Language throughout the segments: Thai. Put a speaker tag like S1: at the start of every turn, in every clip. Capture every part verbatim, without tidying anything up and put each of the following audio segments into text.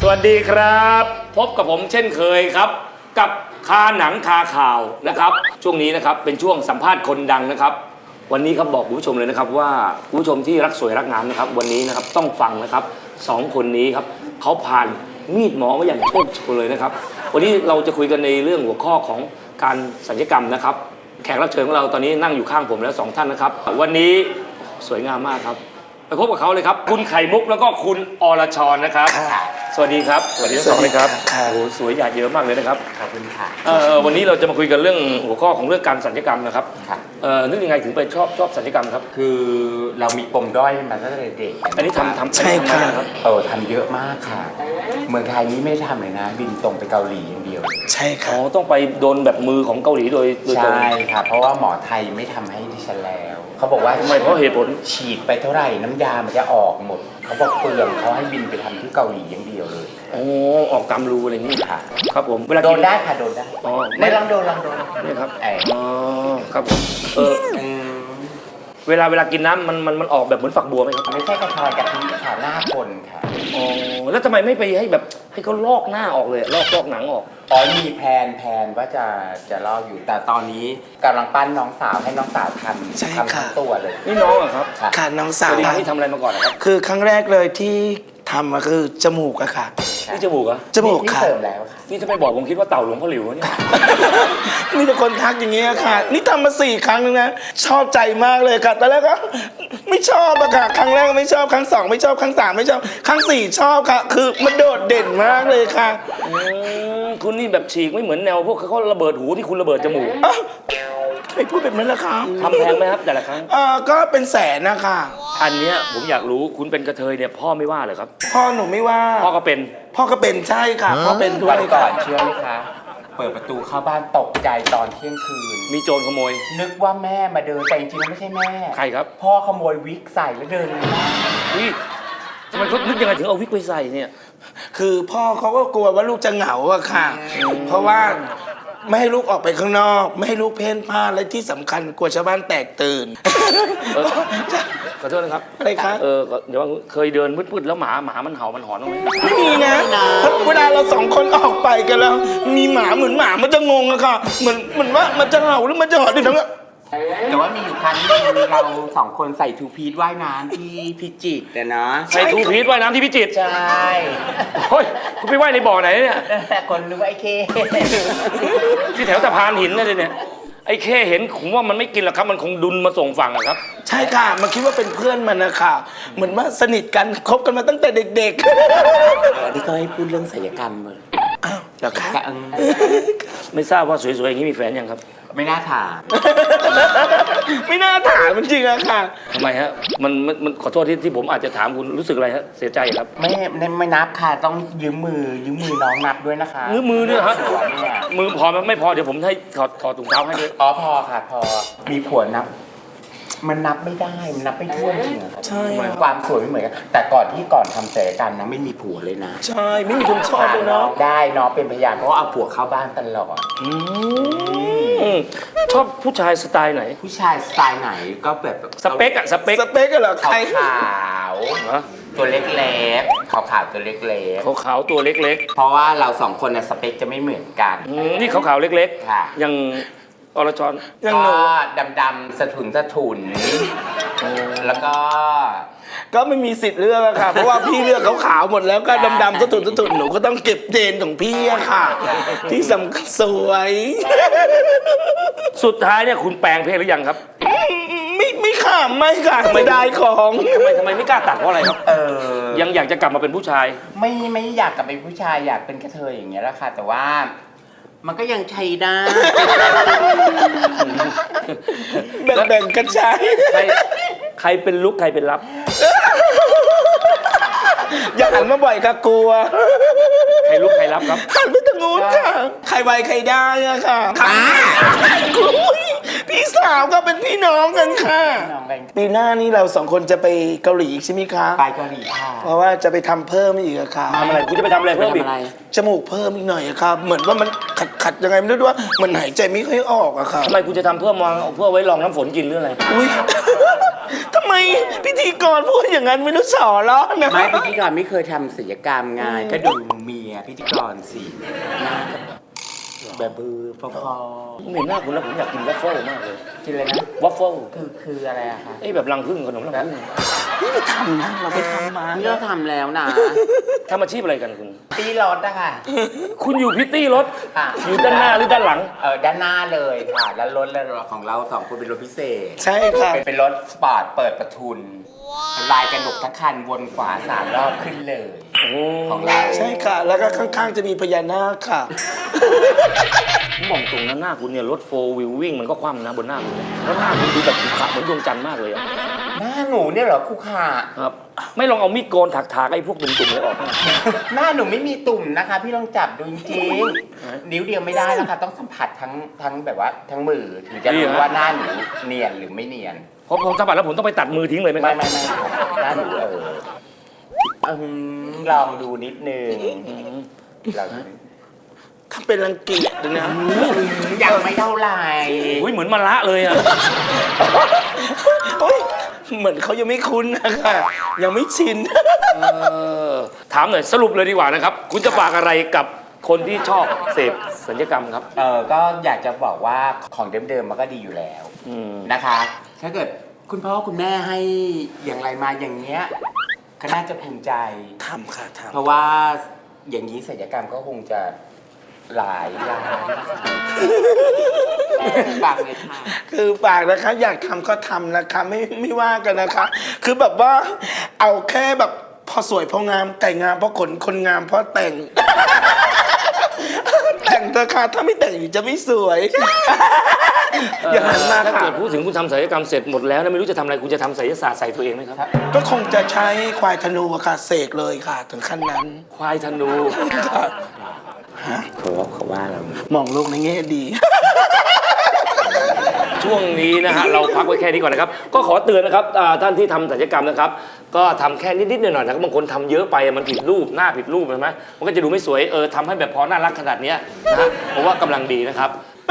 S1: วัสดีครับพบกับผมเช่นเคยครับกับคาหนังคาข่าวนะครับช่วงนี้นะครับเป็นช่วงสัมภาษณ์คนดังนะครับวันนี้ครับบอกคุณผู้ชมเลยนะครับว่าคุณผู้ชมที่รักสวยรักงามนะครับวันนี้นะครับต้องฟังนะครับสองคนนี้ครับเขาผ่านมีดหมอมาอย่างโชคโชนเลยนะครับวันนี้เราจะคุยกันในเรื่องหัวข้อของการศัลยกรรมนะครับแขกรับเชิญของเราตอนนี้นั่งอยู่ข้างผมแล้วสองท่านนะครับวันนี้สวยงามมากครับไปพบกับเขาเลยครับคุณไข่มุกแล้วก็คุณอรชรนะครับสวัสดีครับสวัสดีทั้งสองเลยครับโอ้โหสวยหยาดเยอะมากเลยนะครับ
S2: ขอบคุณค่ะ
S1: เอ่อวันนี้เราจะมาคุยกันเรื่องหัวข้อของเรื่องการศัลยกรรมนะครับเอ่อนึกยังไงถึงไปชอบชอบศัลยกรรมครับ
S2: คือเรามีปมด้อยมาตั้งแต่เด็ก
S1: อันนี้ทำทำ
S3: ใช่ค่ะ
S2: เออทำเยอะมากค่ะเมืองไทยนี้ไม่ทำเลยนะบินตรงไปเกาหลีอย่างเดียว
S3: ใช่ค่ะ
S1: อ๋อต้องไปโดนแบบมือของเกาหลีโดยโดยตรง
S2: ใช่ค่ะเพราะว่าหมอไทยไม่ทำให้ดิฉันแล้วเขาบอกว่า
S1: ทำไมเพราะเหตุผล
S2: ฉีดไปเท่าไหร่น้ำยามันจะออกหมดเขาบอกเปลืองเขาให้บินไปทำที่เกาหลีอย่างเดียวเลย
S1: โอ้ออกตามรูอะไรนี่
S2: ค่ะ
S1: ครับผมเวลา
S2: โด
S1: กิ
S2: นได้ค่ะโดนได้
S1: อ๋อ
S2: ไม่ลองโดนลองโดน
S1: นี่ครับ
S2: ไอ้
S1: อ๋อครับผมเออเวลาเวลากินน้ำมันมันมันออกแบบเหมือนฝักบัวไหมครับ
S2: ไม่ใช่กระชายกะทิค่ะหน้าคนค่ะ
S1: อ๋อแล้วทำไมไม่ไปให้แบบให้เขาลอกหน้าออกเลยลอกลอกหนังออก
S2: อ๋อมีแพลนแพลนว่าจะจะลอกอยู่แต่ตอนนี้กำลังปั้นน้องสาวให้น้องสาวทำทำทั้งตัวเลย
S1: นี่น้องเหรอครับ
S3: ค่ะน้องสาว
S1: ที่ทำอะไรมาก่อนครับ
S3: คือครั้งแรกเลยที่ทำก็คือจมูกอะค่ะ
S1: นี่จมูกอะ
S3: จมูกค่ะ
S2: นี่เสริมแล้วค่ะ
S1: นี่ถ้าไม่บอกผมคิดว่าเต่าหลวงพ่อหลิวเนี่ย
S3: มีแต่คนทักอย่างเงี้ยค่ะนี่ทำมาสี่ครั้งแล้วนะชอบใจมากเลยค่ะตอนแรกก็ไม่ชอบอะค่ะครั้งแรกไม่ชอบครั้งสองไม่ชอบครั้งสามไม่ชอบครั้งสี่ชอบค่ะคือมันโดดเด่นมากเลยค่ะ
S1: คุณนี่แบบฉีกไม่เหมือนแนวพวกเขาระเบิดหูที่คุณระเบิดจมูก
S3: ใครพูดแบบนั้นล่ะคะ
S1: ทำแพงไหมครับแต่ละครั้ง
S3: เออก็เป็นแสนนะคะ
S1: อันเนี้ยผมอยากรู้คุณเป็นกระเทยเนี่ยพ่อไม่ว่าเหรอครับ
S3: พ่อหนูไม่ว่า
S1: พ่อก็เป็น
S3: พ่อก็เป็นใช่ค่ะพ่อเป็นด้วย
S2: ก่อนเชื่อไหมคะเปิดประตูเข้าบ้านตกใจตอนเที่ยงคืน
S1: มีโจรขโมย
S2: นึกว่าแม่มาเดินแต่จริงๆไม่ใช่แม่
S1: ใครครับ
S2: พ่อขโมยวิกใส่แล้วเดินเลย
S1: อุ้ยทำไมเขานึกยังไงถึงเอาวิกไปใส่เนี่ย
S3: คือพ่อเขาก็กลัวว่าลูกจะเหงาอะค่ะเพราะว่าไม่ให้ลูกออกไปข้างนอกไม่ให้ลูกเพ่นพ่านและที่สำคัญกลัวชาวบ้านแตกตื่น
S1: ขอโทษนะครับ
S3: อะไรคะ
S1: เออเดี๋ยวเคยเดินมืดๆแล้วหมาหมามันเห่ามันหอนบ้างไหม
S3: ไม่มีนะเวลาเราสองคนออกไปกันแล้วมีหมาเหมือนหมามันจะงงอะค่ะเหมือนเหมือนว่ามันจะเห่าหรือมันจะหอนดิทั้งนั้น
S2: แต่ว่ามีอยู่ครั้งนึงเราสองคนใส่ทูพีทว่ายน้ำที่พิจิตรนะเนาะ
S1: ใส่ทูพีทว่ายน้ำที่พิจิตร
S2: ใช่
S1: เฮ้ยคุณไปว่ายในบ่อไหนเนี่ย
S2: คนนึกว่าไอ้เค
S1: ที่แถวสะพานหินนั่นเลยเนี่ยไอ้เคเห็นผมว่ามันไม่กินหรอกครับมันคงดุนมาส่งฝั่งอะครับ
S3: ใช่ค่ะมันคิดว่าเป็นเพื่อนมันนะคะเหมือนว่าสนิทกันคบกันมาตั้งแต่เด็ก
S2: ๆอันนี้ก็ให้พูดเรื่องศัลยกรรมเลย
S3: อ้าวเหรอคะ
S1: ไม่ทราบว่าสวยๆอย่างนี้มีแฟนยังครับ
S2: ไม่น่าถาม
S3: ไม่น่าถามจริงๆอะค่ะ
S1: ทำไมฮะมันมันขอโทษที่ที่ผมอาจจะถามคุณรู้สึกอะไรฮะเสียใจครับ
S2: ไม่ไม่นับค่ะต้องยืมมือยืมมือน้องนับด้วยนะคะ
S1: ยืมมือเนี่ยฮะมือพอไม่พอเดี๋ยวผมให้ถอดถอดถุงเท้าให้ด้วย
S2: อ๋อพอค่ะพอมีผัวนับมันนับไม่ได้มันนับไม่ถ้วนจริงๆ
S3: ใช่
S2: ความสวยไม่เหมือนกันแต่ก่อนที่ก่อนทำศัลยกรรมนะไม่มีผัวเลยนะ
S3: ใช่ไม่มีคนชอบเลยเนาะ
S2: ได้น้องเป็นพยานเพราะเอาผัวเข้าบ้านตลอด
S1: ชอบผู้ชายสไตล์ไหน
S2: ผู้ชายสไตล์ไหนก็แบบ
S1: สเปกอะสเปก
S3: สเปกเหรอใคร
S2: ขาวตัวเล็กๆขาวๆตัวเล็ก
S1: ๆขาวๆตัวเล็ก
S2: ๆเพราะว่าเราสองคนน่ะสเปคจะไม่เหมือนกัน
S1: นี่ขาวๆเล็กๆยังอรชร
S2: ก็ดำๆสะทุนสะทุนแล้วก็
S3: ก็ไม่มีสิทธิ์เลือกอะค่ะเพราะว่าพี่เลือกขาวๆหมดแล้วก็ดำๆสะทุนสะทุนหนูก็ต้องเก็บเจนของพี่อะค่ะที่สำคัญสวย
S1: สุดท้ายเนี่ยคุณแปลงเพศหรือยังครับ
S3: ไม่ไม่ค่ะไม่ค่ะไม่ได้ของ
S1: ทำไมทำไมไม่กล้าตัดเพราะอะไรครับเออยังอยากจะกลับมาเป็นผู้ชาย
S2: ไม่ไม่อยากกลับเป็นผู้ชายอยากเป็นกระเทยอย่างเงี้ยแหละค่ะแต่ว่ามันก็ยังใช้ได้
S3: แบ่งๆกันใช้
S1: ใครใครเป็นลุกใครเป็นรับ
S3: อย่าหันมาบ่อยค่ะกลัว
S1: ใครลุกใครรับครับ
S3: หันไปทางนู้นค่ะใครไวใครได้อะค่ะพี่สาวก็เป็นพี่น้องกันค่ะปีหน้านี้เราสองคนจะไปเกาหลีอีกใช่ไหมคะ
S2: ไปเกาหลีค่ะ
S3: เพราะว่าจะไปทำเพิ่มอีกอะค่ะ
S1: ทำอะไรคุณจะไปทำอะไรเพิ่มอีก
S3: จมูกเพิ่มอีกหน่อยอะครับเหมือนว่ามันขัดขัดยังไงไม่รู้ว่ามันหายใจไม่ค่อยออกอะค่ะ
S1: ทำไมคุณจะทำเพื่อมองเพื่อไว้รองน้ำฝนกินหรืออะไร
S3: อุ้ยทำไมพิธีกรพูดอย่างนั้นไม่รู้สอล้อนะ
S2: ไม่พิธีกรไม่เคยทำศิลปกรรมไงก็ดูเมียพิธีกรสิหน้าก็แบบบือพอ
S1: ผมเห็นหน้าคุณแล้วผมอยากกินวัฟเฟิลมากเลย
S2: ๆกินเลยนะ
S1: วัฟเฟิล
S2: คือคืออะไรอะคะ
S1: ไอ้แบบรังผึ้งขนมรังผึ้ง
S3: นี่ไปทำนะเราไปทำมา
S2: นี่เราทำแล้วนะ
S1: ทำอาชีพอะไรกันคุณ
S2: ตีรถอะค่ะ
S1: คุณอยู่พิตตี้รถ
S2: ค่ะ
S1: อยู่ด้านหน้าหรือด้านหลัง
S2: เออด้านหน้าเลยค่ะ แล้วรถของเราสองคนเป็นรถพิเศษ
S3: ใช่ค่ะ
S2: เป็นเป็นรถสปอร์ตเปิดประทุนลายกระหนกทั้งคันวนขวาสามรอบขึ้นเลย
S1: โอ้
S2: ของเรา
S3: ใช่ค่ะ แล้วก็ข้างๆจะมีพญานาคค่ะ
S1: ผมมองตรงนั้นหน้าคุณเนี่ยรถโฟวิววิ่งมันก็คว่ำนะบนหน้าคุณเนี่ยแล้วหน้าคุณดูแบบขรุขระเหมือนดวงจันทร์มากเลยอะ
S2: หน้าหนูเนี่ยเหรอครูขา
S1: ครับ ไม่ลองเอามีดโกนถักๆไอ้พวกตุ่มๆเลยออกมา
S2: หน้าหนูไม่มีตุ่มนะคะ พี่ลองจับดูจริงๆนิ้วเดียวไม่ได้แล้วค่ะต้องสัมผัสทั้งทั้งแบบว่าทั้งมือถึงจะรู้ว่าหน้าหนูเนียนหรือไม่เนียน
S1: เพราะผมสัมผัสแล้วผมต้องไปตัดมือทิ้งเลยไหมค
S2: ไม่
S1: รับ
S2: ไม่ไม่หน้าหนูเอออืมลองดูนิดนึงลองดู
S3: ถ้าเป็นรังเกียจนะ
S2: ยังไม่เท่าไหร่
S1: อุ้ยเหมือนมะละเลยอะ
S3: โอ๊ยเหมือนเขายังไม่คุ้นนะคะยังไม่ชิน
S1: เออถามหน่อยสรุปเลยดีกว่านะครับ คุณจะฝากอะไรกับคนที่ชอบเสพสัญญกรรมครับ
S2: เออก็อยากจะบอกว่าของเดิมๆมันก็ดีอยู่แล้ว
S1: อืม
S2: นะคะ ถ้าเกิดคุณพ่อคุณแม่ให้อย่างไรมาอย่างเงี้ยก็น่าจะภูมิใจ
S3: ทำค่ะท
S2: เพราะว่าอย่างนี้ศัลยกรรมก็คงจะหลายล้านฝากเลยค่ะ
S3: ำคือฝากนะคะ อยากทำก็ทำนะคะไม่ไม่ว่ากันนะคะ คือแบบว่าเอาแค่แบบพอสวยพองามแต่งงามเพราะขนคนงามเพราะแต่ง แต่งเถอะค่ะถ้าไม่แต่งจะไม่สวย อย่าหันมา
S1: ถ้า
S3: ค่ะ
S1: เกิดพูดถึงคุณทำศัลยกรรมเสร็จหมดแล้วนะไม่รู้จะทำอะไรคุณจะทำศัลยศาสตร์ใส่ตัวเองไหมครับ
S3: ก็คงจะใช้ควายธนูอะค่ะเสกเลยค่ะ ถึงขั้นนั้น
S1: ควายธนู
S2: เขาเขาว่าเรา
S3: มองโลกในแง่ดี
S1: ช่วงนี้นะฮะเราพักไว้แค่นี้ก่อนนะครับ ก็ขอเตือนนะครับอ่าท่านที่ทำศัลยกรรมนะครับ ก็ทำแค่นิดๆหน่อยๆนะครับบางคนทำเยอะไปมันผิดรูปหน้าผิดรูปใช่ไหมมันก็จะดูไม่สวยเออทำให้แบบพอน่ารักขนาดเนี้ยนะฮะผมว่ากำลังดีนะครับ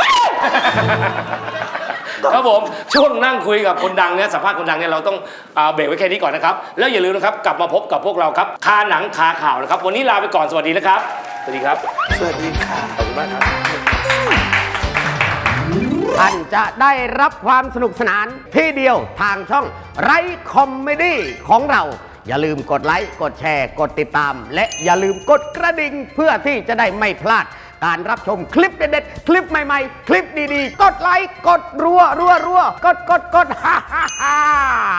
S1: ครับผมช่วงนั่งคุยกับคนดังเนี่ยสัมภาษณ์คนดังเนี่ยเราต้องอ่าเบรกไว้แค่นี้ก่อนนะครับแล้วอย่าลืมนะครับกลับมาพบกับพวกเราครับคาหนังคาข่าวนะครับวันนี้ลาไปก่อนสวัสดีนะครับสวัสดีครับ
S3: สวัสดีค่ะ
S1: ขอบคุณมากครับ
S4: ท่านจะได้รับความสนุกสนานที่เดียวทางช่องไรคอมเมดี้ของเรา อย่าลืมกดไลค์ กดแชร์ กดติดตาม และอย่าลืมกดกระดิ่งเพื่อที่จะได้ไม่พลาด การรับชมคลิปเด็ดๆ คลิปใหม่ๆ คลิปดีๆ กดไลค์ กดรัวรัวรัวกดกดกดฮ่าฮ่าฮ่า